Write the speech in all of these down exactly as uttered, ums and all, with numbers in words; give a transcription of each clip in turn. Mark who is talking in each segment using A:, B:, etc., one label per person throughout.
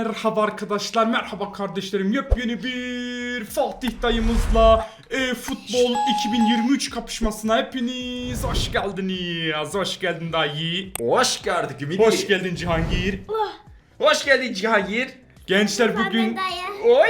A: Merhaba arkadaşlar, merhaba kardeşlerim. Yepyeni bir Fatih dayımızla e, futbol iki bin yirmi üç kapışmasına hepiniz hoş geldiniz. Hoş geldin dayı.
B: Hoş gördük Ümidi.
A: Hoş geldin Cihangir.
B: Hoş geldin Cihangir.
A: Gençler bugün
B: Oy.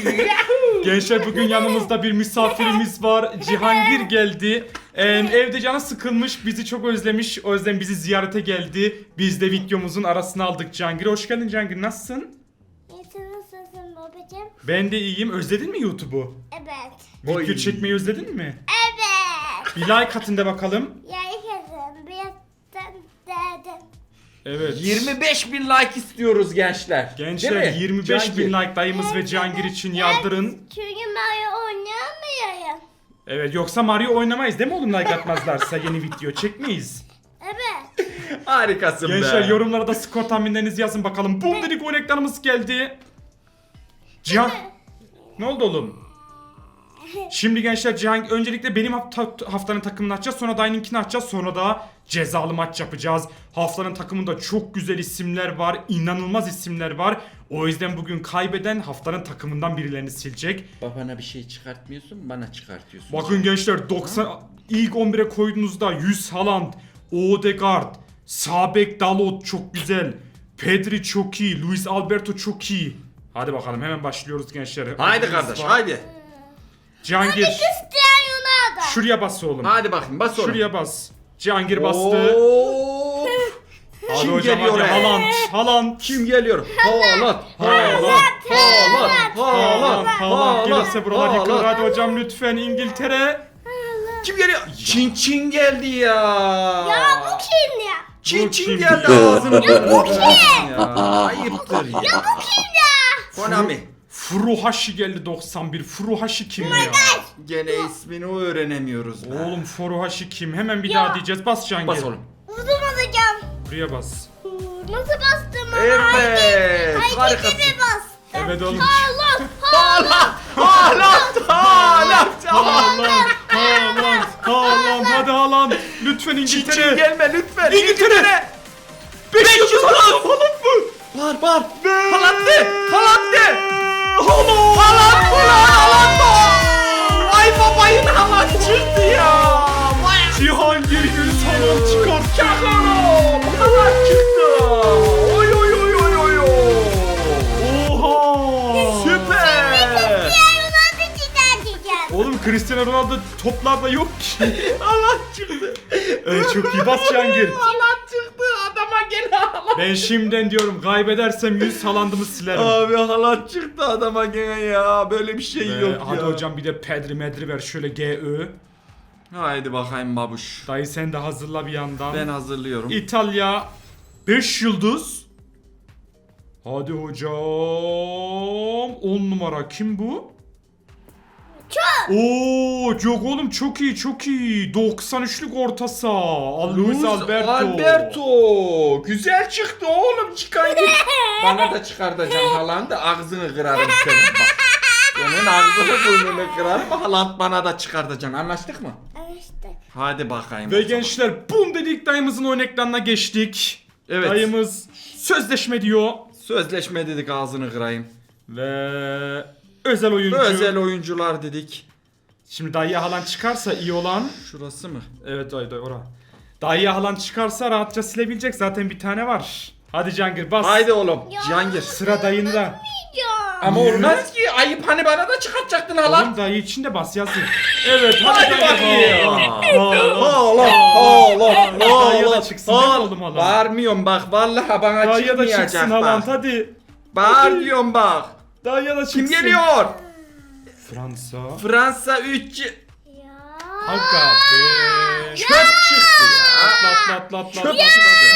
A: Gençler bugün yanımızda bir misafirimiz var. Cihangir geldi. Ee, evde canı sıkılmış, bizi çok özlemiş. O yüzden bizi ziyarete geldi. Biz de videomuzun arasına aldık Cihangir. Hoş geldin Cihangir. Nasılsın?
C: İyisin, nasılsın babacığım?
A: Ben de iyiyim. Özledin mi YouTube'u?
C: Evet.
A: Video
B: Oy.
A: çekmeyi özledin mi?
C: Evet.
A: Bir like atın da bakalım.
C: Yayı kızım, birazdan dedim.
A: Evet.
B: yirmi beş bin like istiyoruz gençler.
A: Gençler
B: Değil mi?
A: yirmi beş bin
B: Cihangir.
A: like dayımız ve Cihangir için yardırın.
C: Çünkü Mario oynayamıyorum.
A: Evet, yoksa Mario oynamayız değil mi oğlum, like atmazlarsa yeni video çekmeyiz.
C: Evet.
B: Harikasın be.
A: Gençler yorumlara da skor tahminlerinizi yazın bakalım. Bum dedik, o reklamımız geldi. Cihan. Ne oldu oğlum? Şimdi gençler Cihan öncelikle benim hafta, haftanın takımını açacağız. Sonra dayınınkini açacağız. Sonra da cezalı maç yapacağız. Haftanın takımında çok güzel isimler var. İnanılmaz isimler var. O yüzden bugün kaybeden haftanın takımından birilerini silecek.
B: Babana bir şey çıkartmıyorsun, bana çıkartıyorsun.
A: Bakın gençler doksan ilk on bire koyduğunuzda yüz Haaland, Odegaard, sağ bek Dalot çok güzel. Pedri çok iyi, Luis Alberto çok iyi. Hadi bakalım hemen başlıyoruz gençler.
B: Haydi
A: Ödülümüz
B: kardeş,
A: var.
B: haydi.
A: Cihangir
C: Cristiano Ronaldo.
A: şuraya bas oğlum.
B: Hadi bakayım, bas oğlum.
A: Şuraya bas. Cihangir bastı.
B: Hop.
A: Hadi
B: Kim
A: hocam
B: geliyor
A: hadi.
B: he?
A: Haaland, Haaland.
B: Kim geliyor? Haaland, Haaland, Haaland,
A: Haaland, Haaland gelirse buralar
B: Haaland.
A: yıkılır. Hadi hocam lütfen İngiltere.
B: Kim geliyor? Çin Çin geldi ya.
C: Ya bu kim ya?
B: Çin
A: Bu
B: Çin
A: kim
B: geldi
A: ya?
B: ağzını burnunu ya. Ayıptır ya.
C: Ya bu kim ya?
B: Konami.
A: Furuhashi geldi doksan bir. Furuhashi kim ya?
B: Gene ismini öğrenemiyoruz. be.
A: Oğlum Furuhashi kim? Hemen bir daha diyeceğiz. Bas Cihangir.
B: Bas oğlum.
C: Vurdum alacağım.
A: Buraya bas.
C: Nasıl bastım ama?
B: Evet.
C: Hareketi
B: Harikasın.
C: mi bastım?
A: Evet oğlum.
C: Allah.
B: Haaland, Haaland, Haaland,
A: Haaland, Haaland, Haaland. Hadi Haaland. Lütfen
B: Çin Çin
A: İngiltere.
B: gelme lütfen.
A: İngiltere. beş yıldız Haaland. Haaland mı?
B: Var var. Haaland de. Haaland de.
A: Haaland.
B: Haaland ulan Haaland da. Ay babayın Haaland çıktı ya. Vay.
A: Cihangir Gülüz Haaland çıkart.
B: Çakalım. Haaland çıktı. Oy oy oy oy oy oy.
A: Oha.
B: Süper.
C: Cristiano Ronaldo cidden diyeceğim.
A: Oğlum Cristiano Ronaldo toplarda yok ki.
B: Haaland çıktı.
A: Evet çok iyi bas Cihangir.
B: Haaland çıktı. Adama gel Haaland.
A: Ben şimdiden diyorum kaybedersem yüz Haaland'ımı silerim.
B: Abi Haaland çıktı adama gene ya. Böyle bir şey
A: Ve
B: yok
A: hadi
B: ya.
A: hocam bir de Pedri Medri ver şöyle G Ö.
B: Haydi bakayım babuş.
A: Dayı sen de hazırla bir yandan.
B: Ben hazırlıyorum.
A: İtalya beş yıldız. Hadi hocam. on numara kim bu?
C: Çok.
A: Oo, yok oğlum çok iyi çok iyi. doksan üçlük orta saha. Luis Alberto.
B: Alberto. Güzel çıktı oğlum çıkaydı. Bana da çıkartacaksın Haaland'ı ağzını kırarım senin bak. Senin ağzını burnunu kırarım Haaland bana da çıkartacaksın anlaştık mı?
C: İşte.
B: Hadi bakayım.
A: Ve
B: o zaman.
A: gençler bum dedik dayımızın oyun ekranına geçtik.
B: Evet.
A: Dayımız sözleşme diyor.
B: Sözleşme dedik ağzını kırayım.
A: Ve özel oyuncu.
B: Özel oyuncular dedik.
A: Şimdi dayıya Haaland çıkarsa iyi olan.
B: Şurası mı?
A: Evet dayı dayı ora. Dayıya Haaland çıkarsa rahatça silebilecek, zaten bir tane var. Hadi Cihangir bas.
B: Haydi oğlum.
C: Ya.
B: Cihangir.
A: Sıra dayında.
C: Ya.
B: Ama
A: Niye?
B: olmaz ki ayıp hani bana da çıkartacaktın Haaland.
A: Oğlum dayı için de bas yazın. Evet hadi
B: Hadi
A: Cihangir.
B: bakayım.
A: Haaland.
B: Haaland.
A: Dayıya da çıksın değil mi oğlum Haaland?
B: Bağırmıyorum bak vallahi bana
A: Dayıya da
B: çıkmayacak
A: çıksın Haaland
B: bak.
A: hadi.
B: Bağır diyorum bak.
A: Dayıya da çıksın.
B: Kim geliyor?
A: Fransa.
B: Fransa üç
C: Ya.
A: Aga be.
B: çöp çıktı ya.
A: Atla atla atla atla.
B: Çöp
A: atla.
B: çıktı.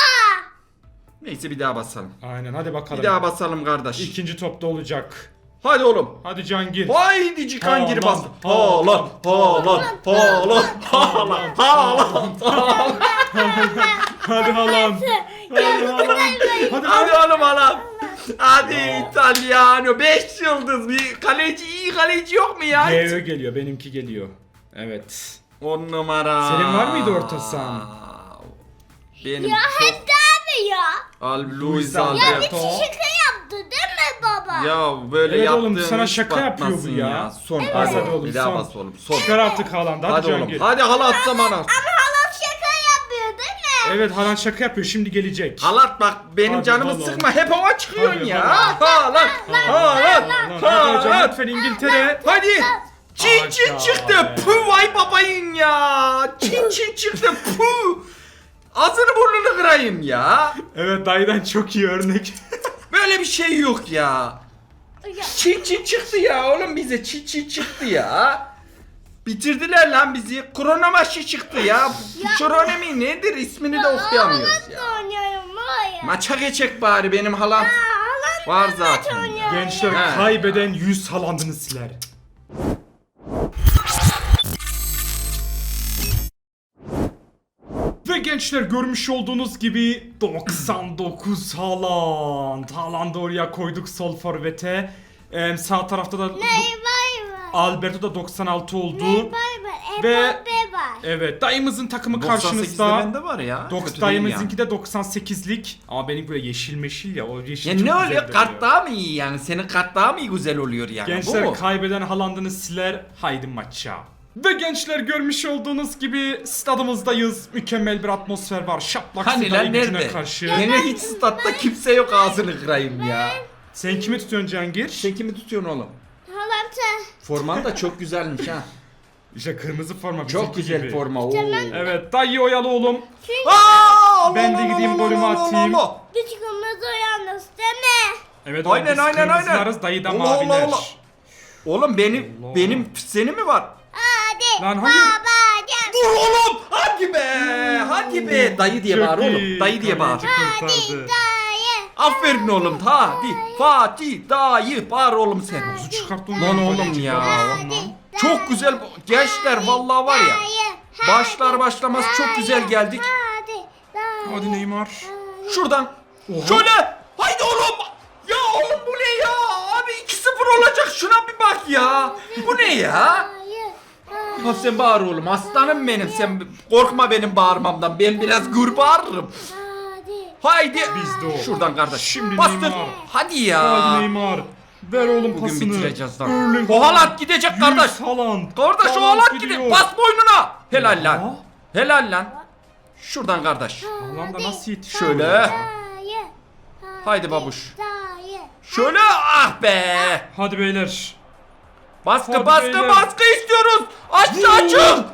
B: Neyse bir daha basalım.
A: Aynen hadi bakalım.
B: Bir daha basalım kardeş.
A: İkinci topta olacak.
B: Hadi oğlum.
A: Hadi Cihangir.
B: Haydi Cikan gir bas.
A: Haaland,
B: Haaland, Haaland, Haaland, Haaland, Haaland, Haaland.
A: Hadi Haaland. Hadi Haaland. Hadi
B: Hadi
A: Haaland.
B: oğlum Haaland. Hadi İtalyano. beş yıldız. Bir kaleci iyi kaleci yok mu ya?
A: G Ö geliyor, benimki geliyor. Evet.
B: on numara.
A: Senin var mıydı orta sahan?
B: Benim
C: Ya
B: çok...
C: hep de mi ya?
B: Al Luis
A: Alberto.
C: Ya bir
B: Alberto.
C: şaka yaptı değil
B: Ya böyle
A: Evet
B: yaptığın
A: oğlum, sana
B: hiç
A: şaka yapıyor bu
B: batmasın
A: ya.
B: Son.
A: Evet.
B: Hadi
A: Hadi
B: oğlum.
A: oğlum,
B: Bir daha
A: son.
B: bas oğlum. Son.
A: Çıkar artık Haaland'ı. Hadi,
B: Hadi oğlum.
A: Cihangir.
B: Hadi halat zamanı.
C: Ama halam şaka yapıyor değil mi?
A: Evet, Haaland şaka yapıyor. Şimdi gelecek.
B: Halat bak benim
A: Hadi
B: canımı
A: Haaland.
B: sıkma. Hep hava çıkıyorsun
A: Hadi
B: ya.
A: Haaland.
B: Halat. Halat.
A: Hadi hocam
B: Halat.
A: lütfen İngiltere.
B: Hadi. Çin çin
A: Aga
B: çıktı.
A: be.
B: Puh vay babayın ya. Çin çin çıktı. Puh. Ağzını burnunu kırayım ya.
A: Evet, dayıdan çok iyi örnek.
B: Böyle bir şey yok ya.
C: Ya.
B: Çin çin çıktı ya oğlum bize çin çin çıktı ya. Bitirdiler lan bizi. Kronomaşı çıktı ya. Kronomi nedir ismini de okuyamıyoruz ya.
C: Halamla oynuyorum var ya.
B: Maça geçecek bari benim halam.
C: Halamla
B: Var
C: maç
B: zaten.
C: oynuyorum
A: Gençler
C: ya.
B: He.
A: kaybeden yüz Haaland'ını siler. Ve gençler görmüş olduğunuz gibi doksan dokuz Haaland. Haaland'ı oraya koyduk sol forvete. Ee, sağ tarafta da
C: Ney bay var.
A: Alberto da doksan altı oldu.
C: Ney bay var.
A: Ve-
C: Ebabe var.
A: Evet, dayımızın takımı
B: doksan sekizde
A: karşınızda.
B: bende var ya.
A: Doks
B: Kötü değil
A: dayımızınki de doksan sekizlik. Ama benim böyle yeşil meşil ya, o yeşil
B: yani.
A: çok
B: Ya ne
A: güzel
B: oluyor? Kart
A: duruyor.
B: daha mı iyi yani? Senin kart daha mı iyi güzel oluyor yani? Bu
A: Gençler
B: mu?
A: kaybeden Haaland'ını siler, haydi maça. Ve gençler görmüş olduğunuz gibi stadımızdayız. Mükemmel bir atmosfer var. Şaplak
B: Hani
A: Sivas'a
B: lan
A: gücüne
B: nerede?
A: karşı.
B: Yine hiç statta kimse yok ağzını kırayım ya.
A: Sen kimi tutuyorsun Cihangir?
B: Sen kimi tutuyorsun oğlum?
C: Halam sen.
B: Forman da çok güzelmiş ha.
A: İşte kırmızı forma
B: Çok
A: bizimki
B: güzel
A: gibi.
B: forma. Oo.
A: Evet, dayı oyalı oğlum.
B: Aa,
A: Ben de
B: Allah,
A: gideyim
B: Allah,
A: golümü
B: Allah,
A: atayım.
B: Allah.
C: Hiç kırmızı yalnız değil mi?
A: Evet,
B: Aynen,
A: oğlum, biz
B: aynen, aynen.
A: kırmızılarız, dayı da
B: Allah, Allah,
A: maviler.
B: Allah. Oğlum benim
A: Allah.
B: benim seni mi var?
C: Hadi.
A: Lan hangi-
C: Babacım.
B: Dur oğlum! Hadi be! Hadi be! Dayı diye
A: Çok
B: bağır
A: iyi,
B: oğlum. Dayı diye bağır.
A: kaleci kurtardı.
C: Dayı.
B: Aferin oğlum. Hadi. Fatih dayı bağır oğlum sen.
A: Nasıl çıkarttın
B: Lan
A: onu?
B: oğlum ya.
C: Hadi.
B: Çok güzel. Gençler vallahi var ya.
C: Dayı.
B: Başlar başlamaz çok güzel geldik.
C: Hadi. Dayı.
A: Hadi Neymar.
B: Şuradan.
A: Oha.
B: Şöyle. Haydi oğlum. Ya oğlum bu ne ya? Abi iki sıfır olacak. Şuna bir bak ya. Bu ne ya?
C: Dayı.
B: Ha sen bağır oğlum. Aslanım benim. Sen korkma benim bağırmamdan. Ben biraz gür bağırırım.
C: Hadi.
B: Haydi.
A: Bizde o.
B: Şuradan kardeş.
A: Şimdi
B: Bastır.
A: Neymar.
B: Hadi ya.
A: Hadi Neymar. Ver oğlum
B: Bugün
A: pasını.
B: bitireceğiz lan.
A: Erling
B: O Haaland
A: Haaland.
B: gidecek
A: Yüz
B: kardeş.
A: Haaland.
B: Kardeş o
A: Haaland
B: Haaland
A: gidiyor.
B: gidiyor. Bas boynuna. Helal lan.
A: Aa.
B: Helal lan. Şuradan kardeş.
A: Haaland'a nasıl yetişiyor?
B: Şöyle.
C: Dayı.
B: Haydi babuş.
C: Dayı.
B: Şöyle ah be.
A: Hadi beyler.
B: Baskı
A: Hadi
B: baskı
A: beyler.
B: baskı istiyoruz. Aşağı çık.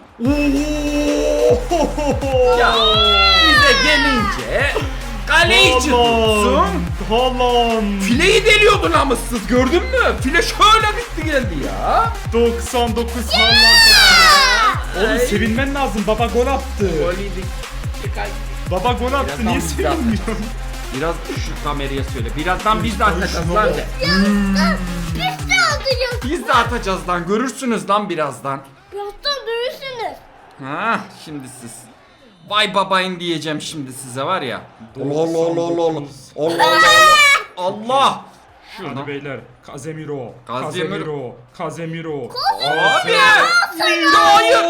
B: Ya bize gelince kaleyi tutsun.
A: Haaland.
B: Fileyi deliyordu namussuz gördün mü? File şöyle bitti geldi ya.
A: doksan dokuz Haaland. Oğlum
B: Ay.
A: sevinmen lazım. Baba gol attı.
B: Gol yedik.
A: Baba gol attı.
B: Birazdan
A: Niye
B: biz de
A: sevinmiyorsun?
B: Biraz şu kameraya söyle. Birazdan biz de atacağız
A: şuna
B: lan
A: bak.
B: de.
C: Biz de alacağız.
B: Biz de atacağız lan. Görürsünüz lan birazdan.
C: Birazdan görürsünüz.
B: Ha şimdi siz. Vay babayın diyeceğim şimdi size var ya. Allah Allah Allah Allah Allah. Allah Allah. Allah.
A: Hadi beyler. Casemiro.
B: Casemiro.
A: Casemiro. Casemiro.
B: Abi. Hayır.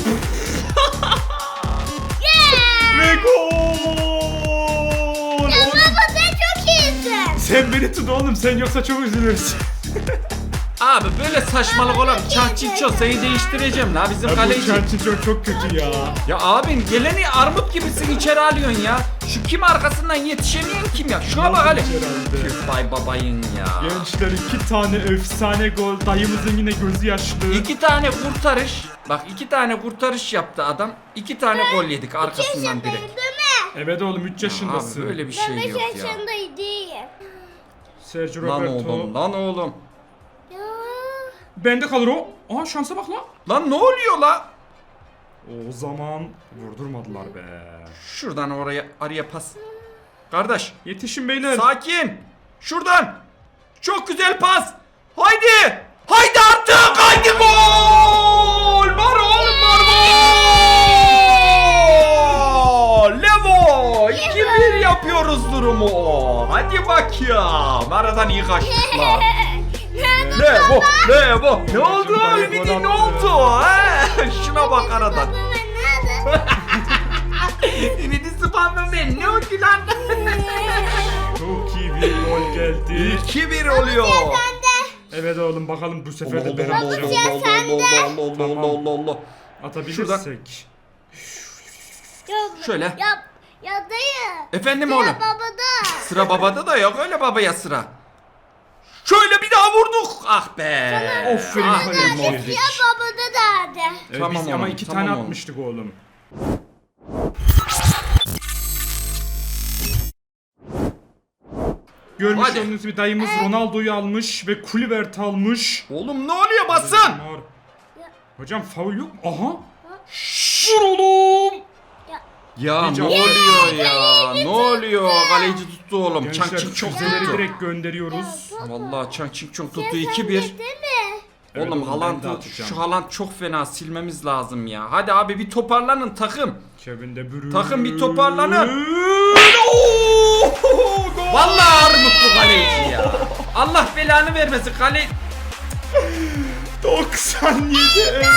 A: Ve gol.
C: Ya baba sen çok iyisin.
A: Sen beni tut oğlum. Sen yoksa çok üzülürüz.
B: Abi böyle saçmalık olur. Çarçıço seni değiştireceğim la bizim
A: Ya bu
B: kaleci.
A: Çerçin çok kötü ya.
B: Ya abin geleni armut gibisin içeri alıyorsun ya. Şu kim arkasından yetişemeyen kim ya? Şuna bak hele.
A: herhalde.
B: Tüh vay babayın ya.
A: Gençler iki tane efsane gol. Dayımızın yine gözü yaşlı.
B: İki tane kurtarış. Bak iki tane kurtarış yaptı adam. İki tane gol yedik arkasından direkt.
C: Değil mi?
A: Evet oğlum üç yaşındasın.
B: Abi böyle bir
C: Ben
B: şey
C: beş
B: yok ya.
C: yaşındaydım.
A: Sergio
B: Lan
A: Roberto.
B: oğlum lan oğlum.
C: Ya.
A: Bende kalır o. Aa şansa bak lan.
B: Lan ne oluyor la?
A: O zaman vurdurmadılar be.
B: Şuradan oraya araya pas. Kardeş
A: Yetişin beyler.
B: sakin. Şuradan. Çok güzel pas. Haydi. Haydi artık. Haydi gol. Var oğlum var gol. Levo. iki bir yapıyoruz durumu. Hadi bak ya. Aradan iyi kaçtık lan. Levo. Levo. Ne oldu?
A: Dayı
B: Ümidi
A: gol
B: ne
A: attı.
B: oldu? Ha? Şuna bak aradan.
C: Baba nerede?
B: Ümidi spamlı ben. Ne oldu lan?
A: Çok iyi bir gol geldi.
B: iki bir oluyor.
A: Evet oğlum bakalım bu sefer de ben
B: Allah
A: alacağım.
B: Allah Allah Allah Allah Allah Allah.
A: Atabilirsek.
C: Yok.
B: Şöyle.
C: Yap. Ya dayı.
B: Efendim
C: Ya
B: oğlum.
C: babada.
B: Sıra babada da yok öyle babaya sıra. Şöyle bir daha vurduk. Ah be.
A: Aferin
B: Ah,
A: kaleci.
B: be.
C: Ya babada derdi.
A: Evet,
B: Tamam
A: biz ama
B: oğlum,
A: iki
B: tamam
A: tane
B: oğlum.
A: atmıştık oğlum. Görmüş
B: Hadi.
A: olduğunuz gibi dayımız Ronaldo'yu almış ve Kluivert almış.
B: Oğlum ne oluyor basın?
A: Var. Hocam faul yok mu? Aha. Vur oğlum.
B: Ya
A: Hiç
B: ne
A: aferin.
B: oluyor ya? Ne oluyor? Kaleci tuttu oğlum.
A: Gençler
B: Çankçık çok
A: füzeleri
B: tuttu.
A: direkt gönderiyoruz.
B: Vallahi Çankçık çok tuttu
C: Sen
B: iki
C: de
B: bir.
C: değil mi?
A: Evet
B: Oğlum
A: oğlum, ben de
B: Haaland'ı
A: atacağım.
B: şu Haaland çok fena silmemiz lazım ya. Hadi abi bir toparlanın takım.
A: Kevin De Bruyne.
B: Takım bir toparlanın. Oo!
A: Gol!
B: Vallahi armut bu kaleci ya. Allah belanı vermesin kale.
A: doksan yedi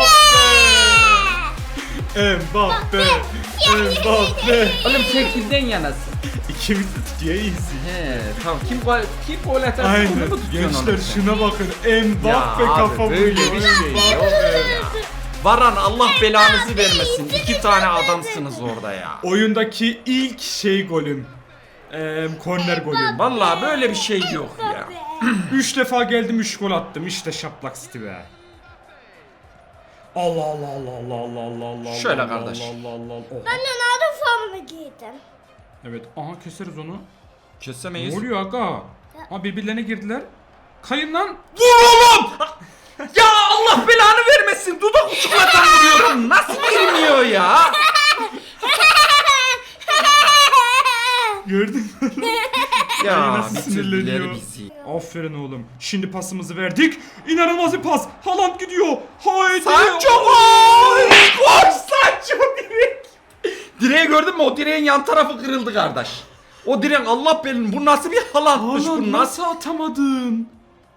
A: Mbappe. Mbappe. Mbappe.
B: Oğlum sen kimden yanasın?
A: İkimiz de tutuyor iyisin.
B: He tamam kim gol kim gol atarsa onu
A: Aynen.
B: mu tutuyorsun
A: Gençler
B: oğlum sen?
A: şuna bakın. Mbappe
B: Ya abi,
A: kafa
B: böyle
A: vuruyor.
B: bir şey
A: Mbappe.
B: yok ya. Varan Allah belanızı vermesin. İki tane adamsınız orada ya.
A: Oyundaki ilk şey golüm. Eee korner golüm.
B: Vallahi böyle bir şey yok ya.
A: Üç defa geldim üç gol attım. İşte şaplak City be. Allah Allah Allah Allah Allah Allah Allah.
B: Şöyle
A: Allah,
B: kardeş.
A: Allah Allah Allah. Oha.
C: Ben Ronaldo formunu giydim.
A: Evet. Aha keseriz onu.
B: Kesemeyiz.
A: Ne oluyor aga? Ha birbirlerine girdiler. Kayın lan.
B: Vur oğlum! Ya Allah belanı vermesin. Dudak uçuklatan vuruyorum. Nasıl girmiyor ya?
A: Gördün mü? Ay,
B: Ya
A: nasıl
B: bitirdiler
A: sinirleniyor.
B: bizi.
A: Aferin oğlum. Şimdi pasımızı verdik. İnanılmaz bir pas. Haaland gidiyor. Haydi.
B: Sancho gol! Koş Sancho direkt. Direği gördün mü? O direğin yan tarafı kırıldı kardeş. O direğin Allah belanı. Bu nasıl bir halatmış
A: Haaland
B: bu nasıl?
A: nasıl atamadın?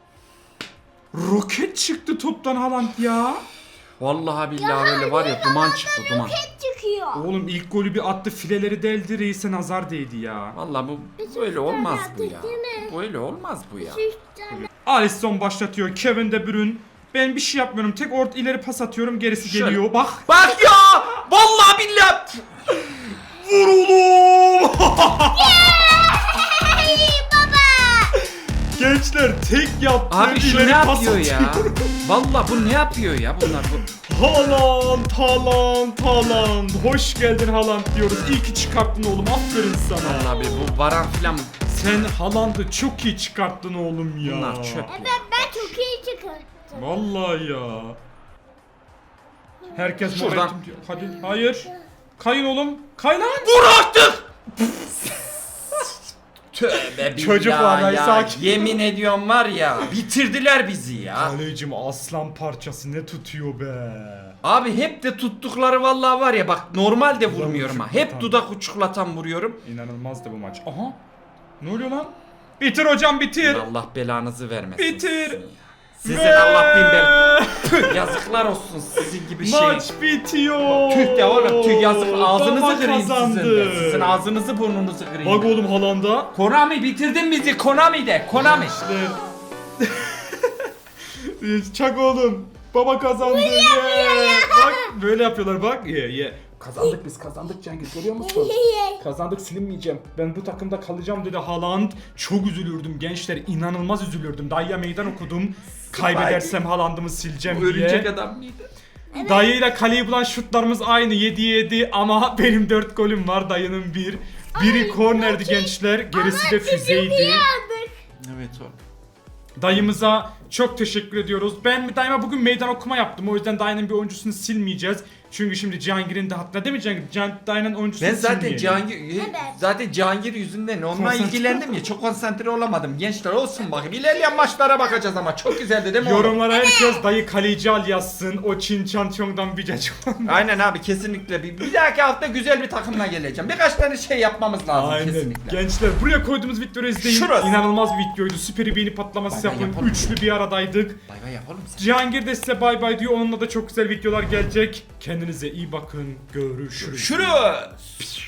A: Roket çıktı toptan Haaland ya.
B: Vallahi billahi öyle var ya duman çıktı duman.
C: Roket çıkıyor.
A: Oğlum ilk golü bir attı, fileleri deldi, reise nazar değdi ya.
B: Vallahi bu böyle olmaz bu ya.
C: Değil mi?
B: Böyle olmaz bu ya.
C: Üç tane.
A: Alisson başlatıyor, Kevin De Bruyne. Ben bir şey yapmıyorum, tek ort ileri pas atıyorum, gerisi
B: Şöyle.
A: geliyor. Bak.
B: Bak ya! Vallahi billahi.
A: Vur oğlum!
C: Hey baba.
A: Gençler tek yaptı,
B: Abi şu ne
A: ileri pas
B: yapıyor ya?
A: atıyor.
B: Vallahi bu ne yapıyor ya bunlar bu?
A: Haaland, Haaland, Haaland. Hoş geldin Haaland diyoruz. İyi ki çıkarttın oğlum, aferin sana.
B: Vallahi bu varan filan
A: Sen Haaland'ı çok iyi çıkarttın oğlum ya.
B: bunlar çöp ya.
C: Evet ben çok iyi çıkarttım.
A: Vallahi ya. Herkes
B: Şuradan.
A: momentum diyor. Hadi. Hayır. Kayın oğlum. Kay lan.
B: Vur artık! Tövbe
A: Çocuklar,
B: billah
A: ay
B: ya.
A: sakin.
B: Yemin ediyorum var ya bitirdiler bizi ya.
A: Kalecim aslan parçası ne tutuyor be.
B: Abi hep de tuttukları vallahi var ya bak normalde vurmuyorum ha. Hep
A: uçuklatan.
B: dudak uçuklatan vuruyorum.
A: İnanılmazdı bu maç. Aha. Ne oluyor lan? Bitir hocam bitir.
B: Allah belanızı vermesin.
A: Bitir.
B: sizin ya. Sizin
A: Ve-
B: Allah bin bel. Püh, yazıklar olsun sizin gibi şey.
A: Maç bitiyor.
B: Tüh de oğlum tüh yazık ağzınızı
A: Baba
B: kırayım sizin
A: kazandı.
B: de. Sizin ağzınızı burnunuzu kırayım.
A: Bak oğlum Haaland'a.
B: Konami bitirdin bizi Konami de Konami.
A: İşte. Çak oğlum. Baba kazandı. Yeah. Bak böyle yapıyorlar bak. Ye yeah, ye. Yeah. Kazandık biz kazandık Cengiz görüyor musun? Kazandık silinmeyeceğim. Ben bu takımda kalacağım dedi Haaland. Çok üzülürdüm gençler. İnanılmaz üzülürdüm. Dayıya meydan okudum. Kaybedersem Haaland'ımı sileceğim
B: Bu örümcek
A: diye.
B: adam mıydı?
A: Dayıyla kaleyi bulan şutlarımız aynı. yedi yedi ama benim dört golüm var. Dayının bir. Biri kornerdi gençler. Gerisi de füzeydi.
B: Evet o.
A: Dayımıza çok teşekkür ediyoruz. Ben daima bugün meydan okuma yaptım. O yüzden dayının bir oyuncusunu silmeyeceğiz. Çünkü şimdi Cihangir'in de hatta değil mi Cihangir? Cihan, dayının oyuncusunu
B: Ben zaten
A: silmeyelim.
B: Cihangir zaten Cihangir yüzünden onunla
A: Konsantre-
B: ilgilendim ya çok konsantre olamadım. Gençler olsun bakayım. İlerleyen maçlara bakacağız ama çok güzeldi değil mi? oğlum?
A: Yorumlara herkes dayı kaleci al yazsın. O Çin Çan Çong'dan bir cacık.
B: Aynen abi kesinlikle bir, bir dahaki hafta güzel bir takımla geleceğim. Birkaç tane şey yapmamız lazım
A: Aynen.
B: kesinlikle.
A: Gençler buraya koyduğumuz videoyu izleyin.
B: Şurası.
A: İnanılmaz bir videoydu. Süper bir beğeni patlaması
B: Bay bay
A: yapın.
B: yapalım.
A: Üçlü bir aradaydık.
B: Bay bay yapalım sen.
A: Cihangir de size bay bay diyor. Onunla da çok güzel videolar gelecek. Kendinize iyi bakın. Görüşürüz.
B: Şurası.